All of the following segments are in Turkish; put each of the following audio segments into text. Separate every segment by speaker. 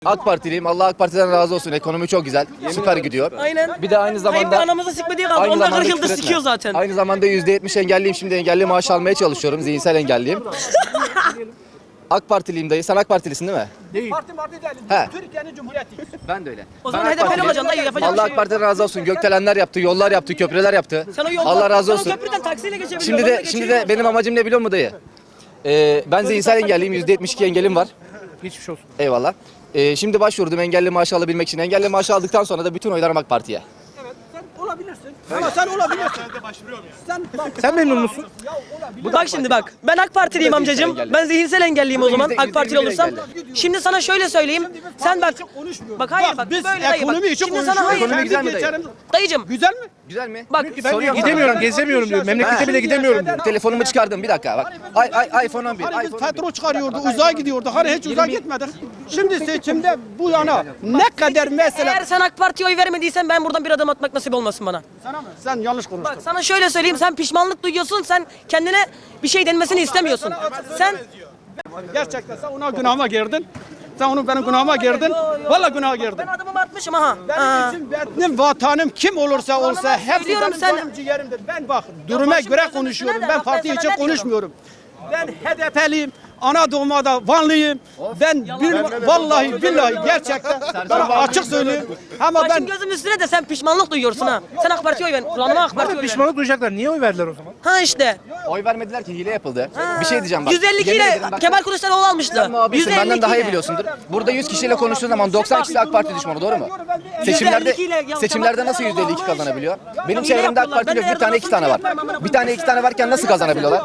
Speaker 1: AK Partiliyim. Allah AK Parti'den razı olsun. Ekonomi çok güzel. Süper gidiyor.
Speaker 2: Aynen.
Speaker 1: Bir de aynı zamanda
Speaker 2: anamızı sikmediği kaldı.
Speaker 1: aynı
Speaker 2: Onlar
Speaker 1: zamanda
Speaker 2: 40 yıldır
Speaker 1: küfür etme.
Speaker 2: sikiyor zaten.
Speaker 1: Aynı zamanda %70 engelliyim. Şimdi engelli maaş almaya çalışıyorum. Zihinsel engelliyim. AK Partiliyim dayı. Sen AK Partilisin değil mi?
Speaker 3: Parti değil.
Speaker 1: He.
Speaker 3: Türkiye'nin Cumhuriyeti.
Speaker 1: Ben de öyle.
Speaker 2: O zaman
Speaker 1: Ben AK
Speaker 2: HDP'li
Speaker 1: Partiliyim.
Speaker 2: olacaksın dayı, yapacak bir
Speaker 1: Allah
Speaker 2: şey
Speaker 1: AK
Speaker 2: yok.
Speaker 1: Parti'den razı olsun. Gökdelenler yaptı, yollar yaptı, köprüler yaptı.
Speaker 2: Sen o yolda,
Speaker 1: Allah razı
Speaker 2: sen o
Speaker 1: olsun.
Speaker 2: köprüden taksiyle geçebiliyorsun.
Speaker 1: Şimdi de benim amacım ne biliyor musun dayı? Ben zihinsel engelliyim. %72 engelim var.
Speaker 4: Geçmiş olsun.
Speaker 1: Eyvallah. Şimdi başvurdum engelli maaşı alabilmek için. Engelli maaşı aldıktan sonra da bütün oylarım AK Parti'ye.
Speaker 3: Evet, sen olabilirsin. Ama sen olabilirsin. Sen bak.
Speaker 4: Sen memnun musun?
Speaker 2: Bak şimdi bak. Ben AK Partiliyim amcacığım.
Speaker 1: engelli.
Speaker 2: Ben zihinsel engelliyim o zaman.
Speaker 1: yüzde-
Speaker 2: AK Partili
Speaker 1: yüzde
Speaker 2: olursam.
Speaker 1: engelli.
Speaker 2: Şimdi sana şöyle söyleyeyim. Sen bak. Bak hayır bak.
Speaker 3: Biz
Speaker 2: Böyle dayı bak.
Speaker 3: ekonomi için
Speaker 2: Şimdi sana
Speaker 3: konuşuyoruz.
Speaker 2: hayır.
Speaker 1: Ekonomi güzel mi dayı?
Speaker 3: Geçerim.
Speaker 2: Dayıcım.
Speaker 3: Güzel mi?
Speaker 1: Güzel mi?
Speaker 2: Bak.
Speaker 4: Ben diyor gidemiyorum, gezemiyorum diyor. Memlekete bile gidemiyorum diyor.
Speaker 1: Telefonumu çıkardım bir dakika bak. iPhone 11.
Speaker 3: Hani biz
Speaker 1: iPhone 11.
Speaker 3: petrol çıkarıyordu, uzağa gidiyordu. Hani hiç uzağa gitmedik. Şimdi seçimde bu yana ne kadar mesela...
Speaker 2: Eğer sen AK Parti'ye oy vermediysen ben buradan bir adım atmak nasip olmasın bana.
Speaker 3: Sana mı? Sen yanlış konuştun.
Speaker 2: Bak sana şöyle söyleyeyim. Sen pişmanlık duyuyorsun. Sen kendine bir şey denmesini istemiyorsun. Sen
Speaker 3: Gerçekten sen ona günahıma girdin. Sen onu benim günahıma girdin. Vallahi günaha girdin.
Speaker 2: ben adımımı atmışım aha.
Speaker 3: Benim için benim vatanım kim olursa olsa hepsi
Speaker 2: söylüyorum
Speaker 3: benim
Speaker 2: sen-
Speaker 3: canım ciğerimdir. Ben bak duruma
Speaker 2: başım
Speaker 3: göre
Speaker 2: gözüm
Speaker 3: konuşuyorum.
Speaker 2: üstüne de,
Speaker 3: Ben
Speaker 2: bak ben
Speaker 3: parti
Speaker 2: sana
Speaker 3: için
Speaker 2: ne diyorum?
Speaker 3: konuşmuyorum. Ben HDP'liyim. Ana doğma da Vanlıyım. Ben vallahi billahi gerçekten ben açık söyleyeyim. Ama
Speaker 2: Başım
Speaker 3: ben
Speaker 2: gözüm üstüne de sen pişmanlık duyuyorsun ha. Sen AK Parti'ye oy ver. Kulağıma AK Parti'ye
Speaker 4: Abi
Speaker 2: oy ver.
Speaker 4: pişmanlık duyacaklar. Niye oy verdiler o zaman?
Speaker 2: Ha işte.
Speaker 1: Oy vermediler ki hile yapıldı. Bir şey diyeceğim bak.
Speaker 2: 152
Speaker 1: Yemin
Speaker 2: ile
Speaker 1: ederim bak.
Speaker 2: Kemal Kılıçdaroğlu almıştı.
Speaker 1: Sen muhabirsin, benden daha iyi
Speaker 2: 152
Speaker 1: biliyorsundur. Burada 100 kişiyle konuştuğun zaman 90 kişi AK Parti düşmanı doğru mu? Seçimlerde nasıl %52 kazanabiliyor? Benim çevremde AK Parti yok. Bir tane iki tane var. Bir tane iki tane varken nasıl kazanabiliyorlar?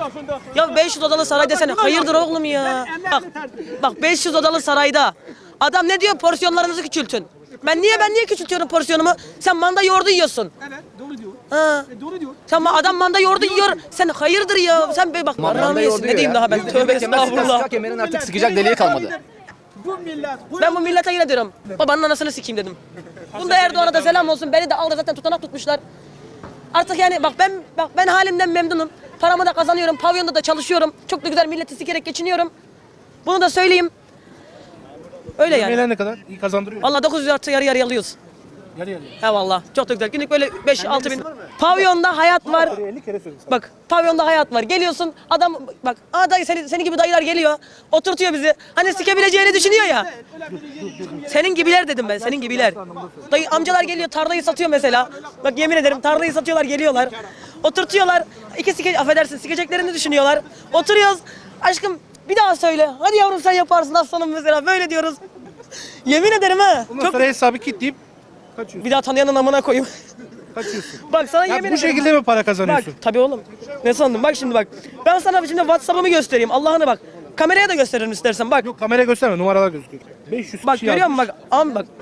Speaker 2: Ya 500 odalı saray desene. Hayırdır oğlum ya. Bak 500 odalı sarayda. Adam ne diyor? Porsiyonlarınızı küçültün. Ben niye küçültüyorum porsiyonumu? Sen manda yoğurdu yiyorsun.
Speaker 3: evet doğru diyor.
Speaker 2: Ha.
Speaker 3: Doğru diyor.
Speaker 2: Sen adam manda yoğurdu yiyor. Sen hayırdır ya? Sen be bak.
Speaker 1: Manda
Speaker 2: Allah'ım yesin.
Speaker 1: yoğurdu
Speaker 2: Ne diyeyim
Speaker 1: ya.
Speaker 2: daha ben? Tövbe estağfurullah.
Speaker 1: Sıcak kemerin artık sıkacak deliği kalmadı.
Speaker 3: Bu millet
Speaker 2: Ben bu millete yine diyorum. Babanın anasını sikeyim dedim. Bunda Erdoğan'a da selam olsun. Beni de aldı zaten tutanak tutmuşlar. Artık yani bak ben halimden memnunum. Paramı da kazanıyorum. Pavyonda da çalışıyorum. Çok da güzel milleti sikerek geçiniyorum. Bunu da söyleyeyim. Öyle yani.
Speaker 4: Yemeğler ne kadar? İyi kazandırıyor.
Speaker 2: Vallahi 900 artı yarı yarı alıyoruz.
Speaker 4: Yarı yarıya.
Speaker 2: He valla. Çok da güzel. Günlük böyle 5-6 bin. Pavyonda hayat var.
Speaker 4: 50 kere söyledim.
Speaker 2: Bak pavyonda hayat var. Geliyorsun adam bak dayı seni gibi dayılar geliyor. Oturtuyor bizi. Hani sikebileceğini düşünüyor ya. Senin gibiler dedim ben. Senin gibiler. Dayı amcalar geliyor tarlayı satıyor mesela. Bak yemin ederim tarlayı satıyorlar geliyorlar. Oturtuyorlar. Affedersin sikeceklerini düşünüyorlar. Oturuyoruz. Aşkım bir daha söyle. Hadi yavrum sen yaparsın aslanım mesela. Böyle diyoruz. Yemin ederim ha.
Speaker 4: Ondan
Speaker 2: Çok
Speaker 4: sonra hesabı kilitleyip kaçıyorsun.
Speaker 2: bir daha tanıyanın amına koyayım.
Speaker 4: Kaçıyorsun.
Speaker 2: Bak sana
Speaker 4: Ya
Speaker 2: yemin
Speaker 4: bu
Speaker 2: ederim.
Speaker 4: şekilde mi para
Speaker 2: Bak
Speaker 4: kazanıyorsun?
Speaker 2: tabii oğlum. Ne sandın? Bak şimdi bak. Ben sana şimdi WhatsApp'ımı göstereyim. Allah'ını bak. Kameraya da gösteririm istersen. Bak.
Speaker 4: Yok kameraya gösterme, numaralar gözüküyor. 500
Speaker 2: Bak
Speaker 4: kişi
Speaker 2: görüyor musun
Speaker 4: yazmış.
Speaker 2: bak. Am bak.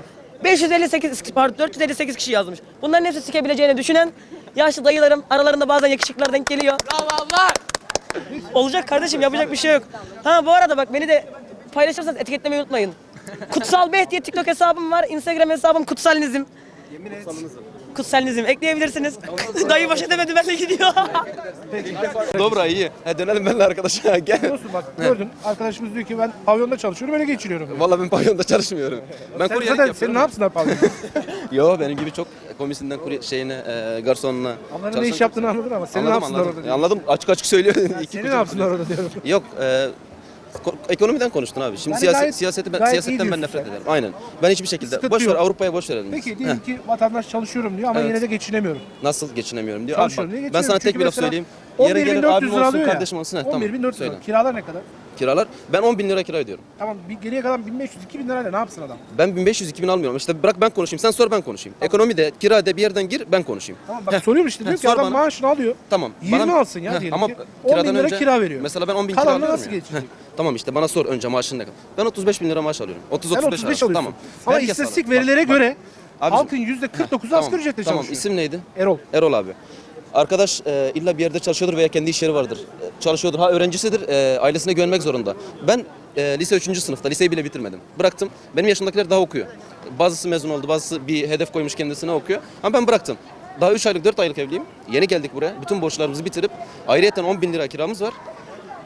Speaker 2: 458 kişi yazmış. Bunların hepsi sikebileceğini düşünen yaşlı dayılarım. Aralarında bazen yakışıklılar denk geliyor. Olacak kardeşim yapacak bir şey yok. Ha bu arada bak beni de paylaşırsanız etiketlemeyi unutmayın. Kutsal Beh diye TikTok hesabım var. Instagram hesabım Kutsalnizm. Kutsalnizm ekleyebilirsiniz. Dayı baş edemedi benimle gidiyor.
Speaker 5: Dobra iyi. Dönelim benimle arkadaşa. Gel.
Speaker 4: Biliyorsun bak gördün arkadaşımız diyor ki ben pavyonda çalışıyorum öyle geçiriyorum.
Speaker 5: Vallahi ben pavyonda çalışmıyorum. Ben
Speaker 4: Sen
Speaker 5: kuryelik
Speaker 4: zaten
Speaker 5: yapıyorum.
Speaker 4: sen ne yapsınlar pavyonda?
Speaker 5: Yo benim gibi çok komisinden garsonuna
Speaker 4: Onların ne iş yaptığını anladın ama seni ne yapsınlar orada diyorum.
Speaker 5: Anladım. Açık açık söylüyor.
Speaker 4: Seni ne yapsınlar orada diyorum.
Speaker 5: Yok. Ekonomiden konuştun abi. Şimdi
Speaker 4: Yani gayet-
Speaker 5: siyasetten
Speaker 4: gayet iyi
Speaker 5: ben
Speaker 4: diyorsun
Speaker 5: nefret
Speaker 4: sen.
Speaker 5: ederim. Aynen. Ben hiçbir şekilde
Speaker 4: Sıkıntı
Speaker 5: boş ver
Speaker 4: yok.
Speaker 5: Avrupa'ya boş verelim.
Speaker 4: Peki
Speaker 5: biz.
Speaker 4: diyelim ki vatandaş çalışıyorum diyor ama
Speaker 5: Evet.
Speaker 4: yine de geçinemiyorum.
Speaker 5: Nasıl geçinemiyorum diyor. Abi
Speaker 4: Çalışıyorum
Speaker 5: bak,
Speaker 4: diye
Speaker 5: ben sana
Speaker 4: geçinemiyorum.
Speaker 5: tek
Speaker 4: Çünkü
Speaker 5: bir laf
Speaker 4: mesela
Speaker 5: söyleyeyim. Yarın gelir
Speaker 4: 11.400
Speaker 5: abim
Speaker 4: lira
Speaker 5: olsun,
Speaker 4: alıyor ya.
Speaker 5: kardeşim olsun. Tamam.
Speaker 4: 11.400
Speaker 5: Söyle.
Speaker 4: lira. Kiralar ne kadar?
Speaker 5: Kiralar. Ben 10.000 lira kira ödüyorum.
Speaker 4: Tamam geriye kalan 1500-2000 lirayla ne yapsın adam?
Speaker 5: Ben 1500-2000 almıyorum. İşte bırak ben konuşayım. Sen sor ben konuşayım. Ekonomide, kirada bir yerden gir ben konuşayım.
Speaker 4: Tamam bak soruyorum işte diyor ki
Speaker 5: sor
Speaker 4: adam
Speaker 5: bana.
Speaker 4: maaşını alıyor.
Speaker 5: Tamam.
Speaker 4: 20 alsın ya diyelim
Speaker 5: ama
Speaker 4: ki.
Speaker 5: 10
Speaker 4: 10.000 lira kira veriyor.
Speaker 5: Mesela ben 10 bin kira
Speaker 4: Kalanla
Speaker 5: alıyorum
Speaker 4: nasıl
Speaker 5: ya.
Speaker 4: geçecek?
Speaker 5: Tamam işte bana sor önce maaşın ne kadar. Ben 35 bin lira maaş alıyorum. 30-35
Speaker 4: Sen 35
Speaker 5: arası.
Speaker 4: alıyorsun.
Speaker 5: Tamam.
Speaker 4: Ama
Speaker 5: Herkes
Speaker 4: istatistik
Speaker 5: alır.
Speaker 4: verilere
Speaker 5: Bak,
Speaker 4: göre
Speaker 5: Abicim.
Speaker 4: halkın %49'u
Speaker 5: Tamam,
Speaker 4: asgari ücretle
Speaker 5: tamam.
Speaker 4: çalışıyor.
Speaker 5: İsim neydi?
Speaker 4: Erol.
Speaker 5: Erol abi. Arkadaş illa bir yerde çalışıyordur veya kendi iş yeri vardır. Çalışıyordur. Ha öğrencisidir. Ailesine güvenmek zorunda. Ben lise 3. sınıfta. Liseyi bile bitirmedim. Bıraktım. Benim yaşımdakiler daha okuyor. Bazısı mezun oldu. Bazısı bir hedef koymuş kendisine okuyor. Ama ben bıraktım. Daha 3 aylık 4 aylık evliyim. Yeni geldik buraya. Bütün borçlarımızı bitirip ayrıyeten 10 bin lira kiramız var.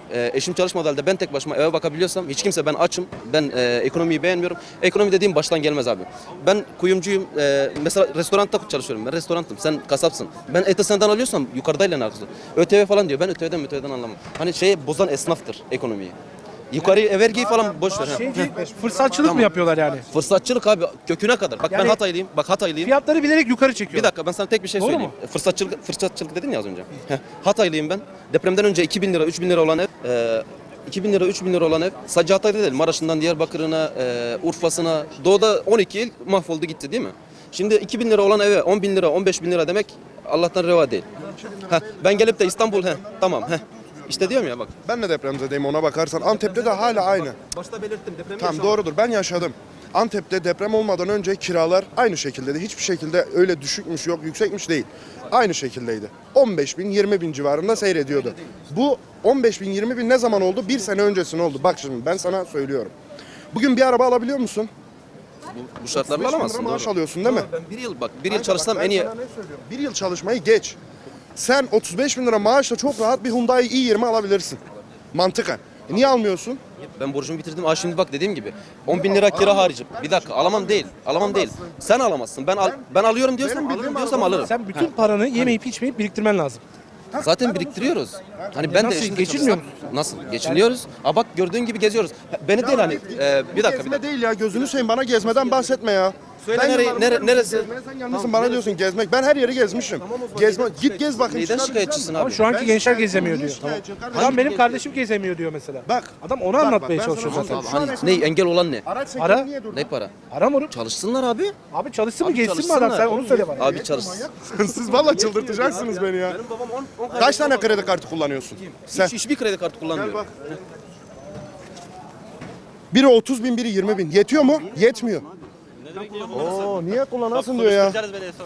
Speaker 5: eşim çalışmadığı halde ben tek başıma eve bakabiliyorsam, hiç kimse ben açım, ben ekonomiyi beğenmiyorum. Ekonomi dediğim baştan gelmez abi. Ben kuyumcuyum, mesela restoranda çalışıyorum, ben restorantım, sen kasapsın. Ben eti senden alıyorsam yukarıdayla ne alakası? ÖTV falan diyor, ben ÖTV'den anlamam. Hani bozan esnaftır ekonomiyi. Yukarı vergiyi falan boş ver.
Speaker 4: Fırsatçılık mı yapıyorlar yani?
Speaker 5: Fırsatçılık abi köküne kadar. Bak ben
Speaker 4: Yani-
Speaker 5: Hataylıyım. Bak Hataylıyım.
Speaker 4: Fiyatları bilerek yukarı çekiyor.
Speaker 5: Bir dakika ben sana tek bir şey
Speaker 4: Doğru
Speaker 5: söyleyeyim. Fırsatçılık dedin ya az önce. Hataylıyım ben. Depremden önce 2000 lira, 3000 lira olan ev, 2000 lira, 3000 lira olan ev. Sadece Hatay'da değil. Maraş'ından Diyarbakır'ına, Urfa'sına, Doğu'da 12 il mahvoldu gitti değil mi? Şimdi 2000 lira olan eve 10 bin lira, 15 bin lira demek Allah'tan reva değil. Ben gelip de İstanbul, tamam. İşte diyorum ya bak.
Speaker 6: Ben de depremzedeyim ona bakarsan. Antep'te de hala aynı.
Speaker 5: Başta belirttim depremi
Speaker 6: Tamam doğrudur ben yaşadım. Antep'te deprem olmadan önce kiralar aynı şekildeydi. Hiçbir şekilde öyle düşükmüş yok yüksekmiş değil. Aynı şekildeydi. 15 bin 20 bin civarında seyrediyordu. Bu 15 bin 20 bin ne zaman oldu? Bir sene öncesine oldu. Bak şimdi ben sana söylüyorum. Bugün bir araba alabiliyor musun?
Speaker 5: Bu şartlarla
Speaker 6: 5 bin lira
Speaker 5: alamazsın.
Speaker 6: maaş
Speaker 5: doğru.
Speaker 6: alıyorsun değil mi?
Speaker 5: Ben bir yıl çalışsam
Speaker 6: Ben
Speaker 5: en iyi.
Speaker 6: sana ne söylüyorum? Bir yıl çalışmayı geç. Sen 35 bin lira maaşla çok rahat bir Hyundai i20 alabilirsin. Mantıken. Niye almıyorsun?
Speaker 5: Ben borcumu bitirdim. Şimdi bak dediğim gibi 10 bin lira kira harcım. Bir dakika alamam değil. Sen alamazsın. Ben alıyorum diyorsam alırım.
Speaker 4: Sen bütün paranı yemeyip içmeyip biriktirmen lazım.
Speaker 5: Zaten biriktiriyoruz. Hani ben de
Speaker 4: Nasıl,
Speaker 5: eşimle
Speaker 4: geçinmiyor
Speaker 5: çalışsam- Nasıl? Geçiniyoruz. Bak gördüğün gibi geziyoruz. Beni değil hani bir dakika.
Speaker 6: Gezme değil ya gözünü seveyim bana gezmeden bahsetme ya.
Speaker 5: Söyle
Speaker 6: Ben
Speaker 5: nereye-
Speaker 6: yıllardır
Speaker 5: neresi?
Speaker 6: gezmeye sen gelmişsin bana diyorsun gezmek. Ben her yeri gezmişim. Git gez bakayım.
Speaker 5: Neyden
Speaker 6: çıkar
Speaker 5: şikayetçisin
Speaker 6: güzel mi?
Speaker 5: abi?
Speaker 4: Ama şu anki gençler gezemiyor diyor.
Speaker 6: şikayetçiyim kardeşim?
Speaker 4: Adam benim kardeşim gezemiyor diyor mesela.
Speaker 6: Bak.
Speaker 4: Adam onu
Speaker 6: Bak,
Speaker 4: anlatmaya
Speaker 6: ben
Speaker 4: çalışıyor
Speaker 6: sana
Speaker 4: zaten.
Speaker 6: anlatayım.
Speaker 5: Hani ne engel olan ne?
Speaker 6: Araç
Speaker 4: Ara.
Speaker 6: sektörü niye durdu?
Speaker 5: Ne para?
Speaker 4: Aram onu.
Speaker 5: Çalışsınlar abi.
Speaker 4: Abi çalışsın mı
Speaker 5: Abi
Speaker 4: geçsin mi adam? Sen
Speaker 5: çalışsınlar.
Speaker 4: onu söyle bana.
Speaker 5: Abi çalışsın.
Speaker 6: Siz valla çıldırtacaksınız beni ya. Kaç tane kredi kartı kullanıyorsun? Sen.
Speaker 5: Hiçbir kredi kartı kullanmıyorum.
Speaker 6: Bak. Biri 30 bin, biri 20 bin. Yetiyor mu? Yetmiyor. Oo, niye kullanasın diyor ya.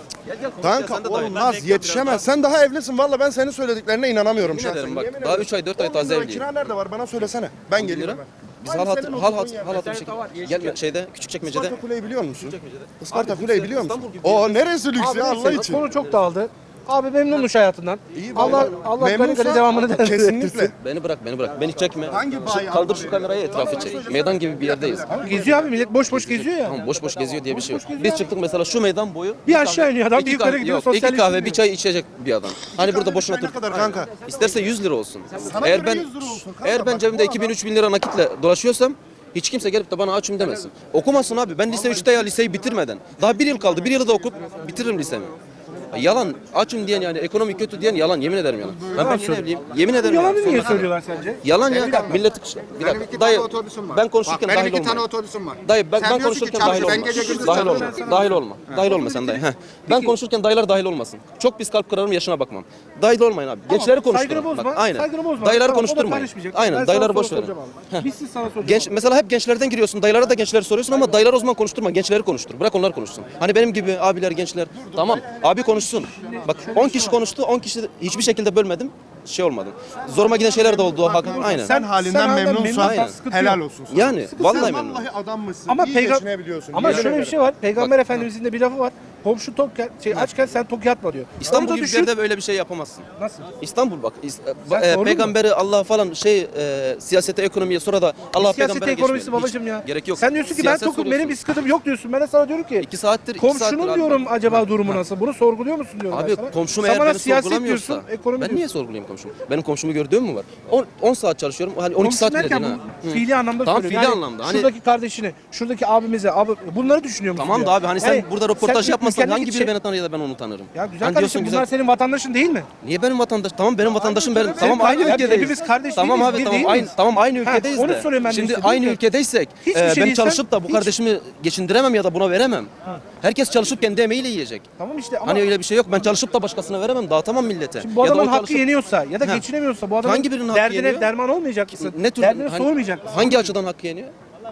Speaker 6: Kanka olmaz, yetişemez. Sen daha evlisin. Valla ben senin söylediklerine inanamıyorum
Speaker 5: Yemin
Speaker 6: şahsen.
Speaker 5: ederim bak,
Speaker 6: Yemin
Speaker 5: daha
Speaker 6: ederim.
Speaker 5: 3 ay 4 ay
Speaker 6: 10 bin
Speaker 5: taze
Speaker 6: lira
Speaker 5: evliyim.
Speaker 6: Kira nerede var? Bana söylesene. Ben gelirim.
Speaker 5: lira. Biz
Speaker 6: Aynı
Speaker 5: hal
Speaker 6: senin
Speaker 5: hatır
Speaker 6: oturduğun yer.
Speaker 5: bir şekilde gel Küçükçekmece'de.
Speaker 6: Isparta Kule'yi biliyor musun? Isparta Kule'yi biliyor musun? O neresi lüks ya Allah için?
Speaker 4: Konu çok dağıldı. Abi memnunmuş hayatından.
Speaker 6: İyi,
Speaker 4: Allah gani
Speaker 6: memnunsa
Speaker 4: gani devamını da
Speaker 6: kesinlikle.
Speaker 5: Beni bırak. Beni çekme.
Speaker 6: Hangi bayi
Speaker 5: Kaldır şu kamerayı etrafı çek. Meydan gibi bir yerdeyiz.
Speaker 4: Geziyor abi millet boş boş geziyor ya.
Speaker 5: Tamam boş boş geziyor diye bir şey yok. Biz çıktık mesela şu meydan boyu.
Speaker 4: Bir aşağı iniyor adam, bir
Speaker 5: iki
Speaker 4: yukarı
Speaker 5: kahve-
Speaker 4: gidiyor,
Speaker 5: yok, 2
Speaker 4: sosyalleşiyor
Speaker 5: kahve bir
Speaker 4: diyor.
Speaker 5: çay içecek bir adam. Hani burada boşuna
Speaker 6: Ne
Speaker 5: dur.
Speaker 6: kadar kanka?
Speaker 5: İsterse 100 lira olsun.
Speaker 6: Sana
Speaker 5: Eğer
Speaker 6: göre
Speaker 5: ben
Speaker 6: 100 lira olsun kanka.
Speaker 5: eğer ben
Speaker 6: Bak,
Speaker 5: cebimde
Speaker 6: bu
Speaker 5: 2000-3000 lira nakitle dolaşıyorsam hiç kimse gelip de bana açım demesin. Okumasın abi. Ben lise 3'te ya liseyi bitirmeden. Daha bir yıl kaldı. Bir yılı da okup bitiririm lisemi. Yalan. Açım diyen yani ekonomi kötü diyen yalan. Yemin ederim yalan. Ben yeni evliyim. Yemin ederim.
Speaker 4: Yalanı
Speaker 5: yalan.
Speaker 4: niye söylüyorlar sence?
Speaker 5: Yalan ya. Milleti bir
Speaker 7: Benim
Speaker 5: dakika.
Speaker 7: 2
Speaker 5: Dayı
Speaker 7: tane otobüsüm var.
Speaker 5: ben konuşurken
Speaker 7: Bak, benim
Speaker 5: dahil
Speaker 7: 2 tane
Speaker 5: olma.
Speaker 7: otobüsüm var.
Speaker 5: Dayı ben
Speaker 7: Sen diyorsun
Speaker 5: konuşurken
Speaker 7: ki
Speaker 5: dahil
Speaker 7: çalış,
Speaker 5: olma.
Speaker 7: ben gece gündüz
Speaker 5: Dahil olma.
Speaker 7: çalışıyorum.
Speaker 5: Dahil olma. Dahil olma sen dayı. Ben konuşurken dayılar dahil olmasın. Çok pis kalp kırarım yaşına bakmam. Dahil olmayın abi. Gençleri konuşturun.
Speaker 4: Saygını bozma.
Speaker 5: Bak, aynen.
Speaker 4: Saygını bozma.
Speaker 5: Dayıları
Speaker 4: Tamam, o da
Speaker 5: konuşturmayın.
Speaker 4: karışmayacak.
Speaker 5: Aynen.
Speaker 4: Ben
Speaker 5: Dayıları
Speaker 4: sana
Speaker 5: boş
Speaker 4: soru
Speaker 5: verin.
Speaker 4: soracağım abi. Biz siz sana soracağız.
Speaker 5: Genç, mesela hep gençlerden giriyorsun. Dayılara da gençleri soruyorsun ama dayılar o zaman konuşturma. Gençleri konuştur. Bırak onlar konuşsun. Hani benim gibi abiler, gençler. Tamam. Abi konuşsun. Bak 10 kişi konuştu. 10 kişi hiçbir şekilde bölmedim. Şey olmadı. Zoruma giden şeyler de oldu. Aynen.
Speaker 6: Sen halinden memnunsan
Speaker 4: memnunsan sıkıntı
Speaker 6: helal
Speaker 4: yok.
Speaker 6: olsun sana.
Speaker 5: Yani vallahi
Speaker 6: Sen
Speaker 5: memnunum.
Speaker 6: vallahi adammışsın.
Speaker 4: Ama
Speaker 6: iyi
Speaker 4: peygamber
Speaker 6: geçinebiliyorsun.
Speaker 4: ama
Speaker 6: Yemin
Speaker 4: şöyle bir
Speaker 6: ederim.
Speaker 4: şey var. Peygamber Efendimizin de bir lafı var. Komşu tok açken sen tok yatma diyor.
Speaker 5: İstanbul
Speaker 4: Onu da
Speaker 5: gibi bir
Speaker 4: düşün.
Speaker 5: yerde böyle bir şey yapamazsın.
Speaker 4: Nasıl?
Speaker 5: İstanbul bak.
Speaker 4: Sen sordun mu?
Speaker 5: Peygamberi Allah falan siyasete, ekonomiye sonra da Allah
Speaker 4: Siyasete
Speaker 5: peygambere
Speaker 4: ekonomisi
Speaker 5: geçmeyelim.
Speaker 4: babacım ya.
Speaker 5: Hiç gerek yok.
Speaker 4: Sen diyorsun ki
Speaker 5: Siyaset
Speaker 4: ben tokum benim
Speaker 5: soruyorsun.
Speaker 4: bir sıkıntım yok diyorsun. Ben de sana diyorum ki
Speaker 5: 2 saattir
Speaker 4: komşunun
Speaker 5: abi.
Speaker 4: diyorum acaba durumu nasıl? Bunu sorguluyor musun diyorum
Speaker 5: Abi
Speaker 4: ben sana.
Speaker 5: komşum
Speaker 4: Sen
Speaker 5: eğer
Speaker 4: bana
Speaker 5: beni
Speaker 4: siyaset
Speaker 5: sorgulamıyorsa
Speaker 4: diyorsun, ekonomi
Speaker 5: ben
Speaker 4: diyorsun.
Speaker 5: niye sorgulayayım komşumu? Benim komşumu gördüğüm mü var? 10 saat çalışıyorum. Hani 12
Speaker 4: Komşu
Speaker 5: saat bile
Speaker 4: derken
Speaker 5: değil ha.
Speaker 4: bu fiili anlamda
Speaker 5: Tamam,
Speaker 4: söylüyorum.
Speaker 5: fiili
Speaker 4: Yani
Speaker 5: anlamda. Hani-
Speaker 4: şuradaki kardeşini, şuradaki abimize, bunları düşünüyor musun?
Speaker 5: Tamam da
Speaker 4: diyor.
Speaker 5: abi hani sen
Speaker 4: Yani
Speaker 5: burada röportaj
Speaker 4: sen
Speaker 5: yapmasan
Speaker 4: ülkendeki
Speaker 5: hangi biri beni tanır ya da ben onu tanırım?
Speaker 4: Ya güzel
Speaker 5: Hani
Speaker 4: kardeşim bunlar senin vatandaşın değil mi?
Speaker 5: Niye benim vatandaş? Tamam benim vatandaşım benim.
Speaker 4: Senin
Speaker 5: Tamam aynı
Speaker 4: kardeşin,
Speaker 5: ülkedeyiz.
Speaker 4: hepimiz kardeş
Speaker 5: Tamam
Speaker 4: değiliz,
Speaker 5: abi
Speaker 4: bir
Speaker 5: tamam
Speaker 4: değil
Speaker 5: aynı
Speaker 4: miyiz?
Speaker 5: tamam aynı ülkedeyiz
Speaker 4: onu
Speaker 5: de.
Speaker 4: söyleyeyim ben de
Speaker 5: Şimdi
Speaker 4: işte,
Speaker 5: aynı
Speaker 4: değil mi?
Speaker 5: ülkedeysek
Speaker 4: Hiçbir
Speaker 5: ben
Speaker 4: şey değilsen
Speaker 5: çalışıp da bu
Speaker 4: hiç-
Speaker 5: kardeşimi geçindiremem ya da buna veremem. Herkes çalışıp kendi emeğiyle yiyecek.
Speaker 4: Tamam işte ama
Speaker 5: Hani öyle bir şey yok. Ben çalışıp da başkasına veremem. Dağıtamam millete.
Speaker 4: şimdi bu
Speaker 5: Ya da
Speaker 4: adamın
Speaker 5: o
Speaker 4: hakkı
Speaker 5: çalışıp-
Speaker 4: yeniyorsa ya da
Speaker 5: Ha.
Speaker 4: geçinemiyorsa bu adamın
Speaker 5: Hangi birinin hakkı
Speaker 4: derdine
Speaker 5: yeniyor?
Speaker 4: derman olmayacak mısın?
Speaker 5: Ne tür
Speaker 4: Derdine
Speaker 5: hani-
Speaker 4: sormayacak mısın?
Speaker 5: Hangi açıdan hakkı yeniyor?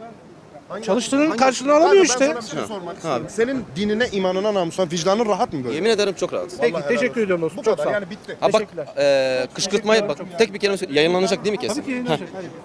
Speaker 4: Çalıştığının karşılığını
Speaker 6: Kanka,
Speaker 4: alamıyor
Speaker 6: ben
Speaker 4: işte.
Speaker 6: sana bir şey sormak istiyorum. Senin dinine, imanına, namusuna, vicdanın rahat mı böyle?
Speaker 5: Yemin ederim çok rahat.
Speaker 4: Peki teşekkür ediyorum dostum.
Speaker 6: Bu
Speaker 4: Çok
Speaker 6: kadar
Speaker 4: sağ ol.
Speaker 6: yani bitti.
Speaker 5: Ha bak
Speaker 4: Teşekkürler.
Speaker 5: kışkırtmayı bak tek bir kelime söyle. Yayınlanacak değil mi kesin?
Speaker 4: Tabii ki yayınlanacak,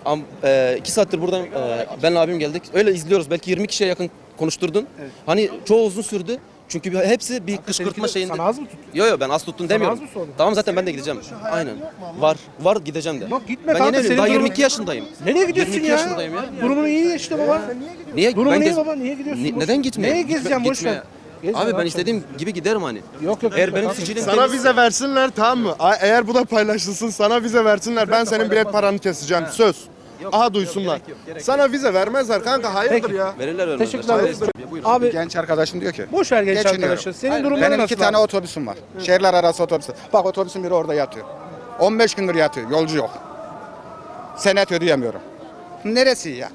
Speaker 5: Heh. 2 saattir buradan benle abim geldik. Öyle izliyoruz. Belki 20 kişiye yakın konuşturdun. Hani çoğu uzun sürdü. Çünkü hepsi bir kışkırtma şeyinde.
Speaker 4: Sana az mı tuttu?
Speaker 5: Yo ben az tuttun demiyorum.
Speaker 4: az mı sordum?
Speaker 5: Tamam zaten ben de gideceğim. Aynen. Var gideceğim de.
Speaker 4: Yok, gitme
Speaker 5: ben
Speaker 4: kanka,
Speaker 5: yeni evliyim.
Speaker 4: senin
Speaker 5: Daha
Speaker 4: durumun-
Speaker 5: 22 yaşındayım.
Speaker 4: Nereye gidiyorsun
Speaker 5: 22
Speaker 4: ya?
Speaker 5: yaşındayım ya.
Speaker 4: Durumun iyi işte baba.
Speaker 5: Niye?
Speaker 4: Durumun iyi
Speaker 5: gez-
Speaker 4: baba, niye gidiyorsun? Boş
Speaker 5: Neden
Speaker 4: ver.
Speaker 5: gitmeye?
Speaker 4: Neye gezeceğim, boş ver.
Speaker 5: Gitmeye.
Speaker 4: Gezme
Speaker 5: Abi
Speaker 4: lan
Speaker 5: ben
Speaker 4: sen.
Speaker 5: istediğim gibi giderim hani.
Speaker 4: Yok yok.
Speaker 5: Eğer
Speaker 4: gitme
Speaker 5: benim
Speaker 4: kanka.
Speaker 5: sicilim
Speaker 6: Sana
Speaker 5: temiz-
Speaker 6: vize versinler, tamam mı? Eğer bu da paylaşılsın, sana vize versinler, ben senin bilet paranı keseceğim. Söz. Aha duysunlar. Sana vize vermezler kanka, hayırdır
Speaker 4: Peki.
Speaker 6: ya?
Speaker 5: Verirler vermezler.
Speaker 4: Teşekkürler.
Speaker 5: Hayırdır.
Speaker 4: Abi
Speaker 7: Genç arkadaşım diyor ki.
Speaker 4: boş ver genç
Speaker 7: Geçiniyorum.
Speaker 4: arkadaşlar. Senin durumların
Speaker 7: Benim
Speaker 4: nasıl?
Speaker 7: 2 tane
Speaker 4: abi?
Speaker 7: otobüsüm var. Şehirler arası otobüs. Bak otobüsün biri orada yatıyor. 15 gündür yatıyor. Yolcu yok. Senet ödeyemiyorum. Neresi iyi ya?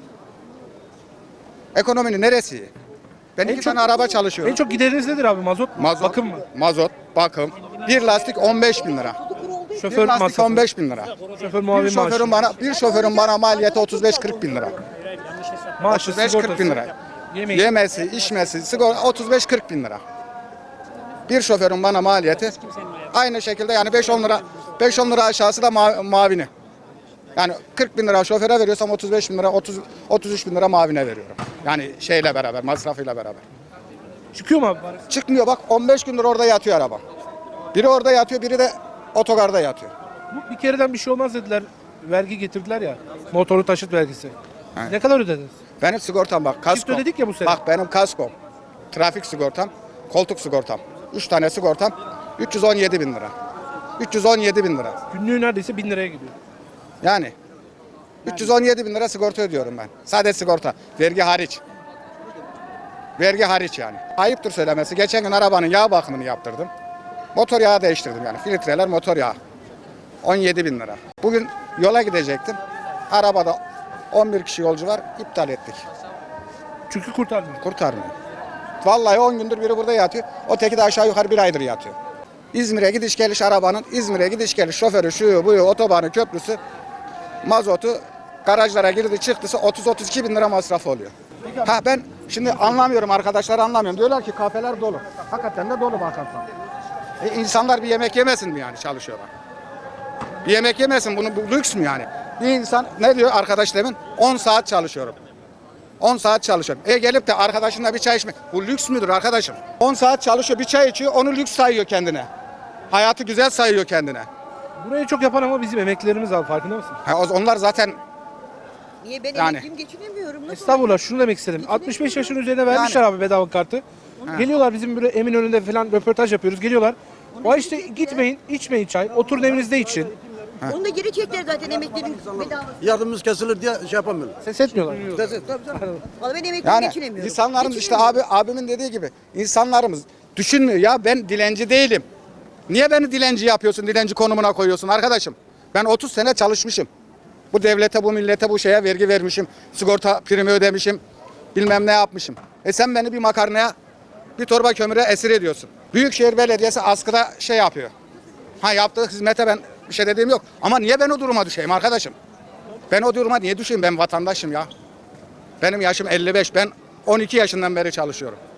Speaker 7: Ekonominin neresi iyi? Ben iki tane araba çalışıyorum.
Speaker 4: En çok gideriniz nedir abi? Mazot mu?
Speaker 7: Mazot,
Speaker 4: Bakım mı?
Speaker 7: Mazot, bakım. Bir lastik 15 bin lira.
Speaker 4: Şoför
Speaker 7: Bir lastik
Speaker 4: masrafı.
Speaker 7: 15 bin lira.
Speaker 4: Şoför muavin maaşı.
Speaker 7: Bir şoförün bana maliyeti 35-40 bin lira.
Speaker 4: Maaşı,
Speaker 7: 35-40 bin lira.
Speaker 4: Yemeği.
Speaker 7: Yemesi, içmesi, sigorta 35-40 bin lira. Bir şoförün bana maliyeti aynı şekilde yani 5-10 lira aşağısı da mavini. Yani 40 bin lira şoföre veriyorsam 35 bin lira, 33 bin lira mavine veriyorum. Yani şeyle beraber, masrafıyla beraber.
Speaker 4: Çıkıyor mu abi?
Speaker 7: Çıkmıyor bak 15 gündür orada yatıyor araba. Biri orada yatıyor, biri de otogarda yatıyor.
Speaker 4: Bu bir kereden bir şey olmaz dediler. Vergi getirdiler ya. Motorlu taşıt vergisi. Ne kadar ödediniz?
Speaker 7: Benim sigortam bak kasko.
Speaker 4: ödedik ya bu sene.
Speaker 7: Bak benim kaskom, trafik sigortam, koltuk sigortam. 3 tane sigortam 317 bin lira. 317 bin lira.
Speaker 4: Günlüğü neredeyse 1000 liraya gidiyor.
Speaker 7: Yani 317 bin lira sigorta ödüyorum ben. Sadece sigorta. Vergi hariç. Vergi hariç yani. Ayıptır söylemesi. Geçen gün arabanın yağ bakımını yaptırdım. Motor yağı değiştirdim yani. Filtreler motor yağı. 17 bin lira. Bugün yola gidecektim. Arabada 11 kişi yolcu var. İptal ettik.
Speaker 4: Çünkü kurtarmıyor.
Speaker 7: Kurtarmıyor. Vallahi 10 gündür biri burada yatıyor. O teki de aşağı yukarı bir aydır yatıyor. İzmir'e gidiş geliş arabanın, İzmir'e gidiş geliş şoförü, şu bu otobanı, köprüsü, mazotu, garajlara girdi çıktısı 30-32 bin lira masrafı oluyor. Ha ben şimdi anlamıyorum, arkadaşlar anlamıyorum. Diyorlar ki kafeler dolu. Hakikaten de dolu bakarsan. İnsanlar bir yemek yemesin mi yani çalışıyorlar? Bir yemek yemesin, bu lüks mü yani? Bir insan ne diyor arkadaş demin? 10 saat çalışıyorum. 10 saat çalışıyorum. Gelip de arkadaşınla bir çay içmek. Bu lüks müdür arkadaşım? 10 saat çalışıyor, bir çay içiyor, onu lüks sayıyor kendine. Hayatı güzel sayıyor kendine.
Speaker 4: Burayı çok yapan ama bizim emeklilerimiz abi, farkında mısın?
Speaker 7: Onlar zaten
Speaker 8: Niye ben
Speaker 7: Yani.
Speaker 8: emekliyim geçinemiyorum? Nasıl?
Speaker 4: Estağfurullah, şunu demek istedim. 65 yaşın üzerine vermişler abi bedava kartı. Geliyorlar bizim böyle Eminönü'nde falan röportaj yapıyoruz. Geliyorlar. O işte gitmeyin, içmeyin çay. Oturun evinizde için.
Speaker 8: Onu da geri çektiler zaten emeklinin bedavası.
Speaker 9: Yardımımız kesilir diye şey yapamıyorlar.
Speaker 4: Ses etmiyorlar.
Speaker 8: Vallahi ben emekliyim
Speaker 7: yani
Speaker 8: geçinemiyorum.
Speaker 7: insanlarımız işte abimin dediği gibi insanlarımız düşünmüyor ya, ben dilenci değilim. Niye beni dilenci yapıyorsun, dilenci konumuna koyuyorsun arkadaşım? Ben 30 sene çalışmışım. Bu devlete, bu millete, bu şeye vergi vermişim. Sigorta primi ödemişim. Bilmem ne yapmışım. Sen beni bir makarnaya, bir torba kömüre esir ediyorsun. Büyükşehir Belediyesi askıda şey yapıyor. Yaptığı hizmete ben bir şey dediğim yok. Ama niye ben o duruma düşeyim arkadaşım? Ben o duruma niye düşeyim? Ben vatandaşım ya. Benim yaşım 55. Ben 12 yaşından beri çalışıyorum.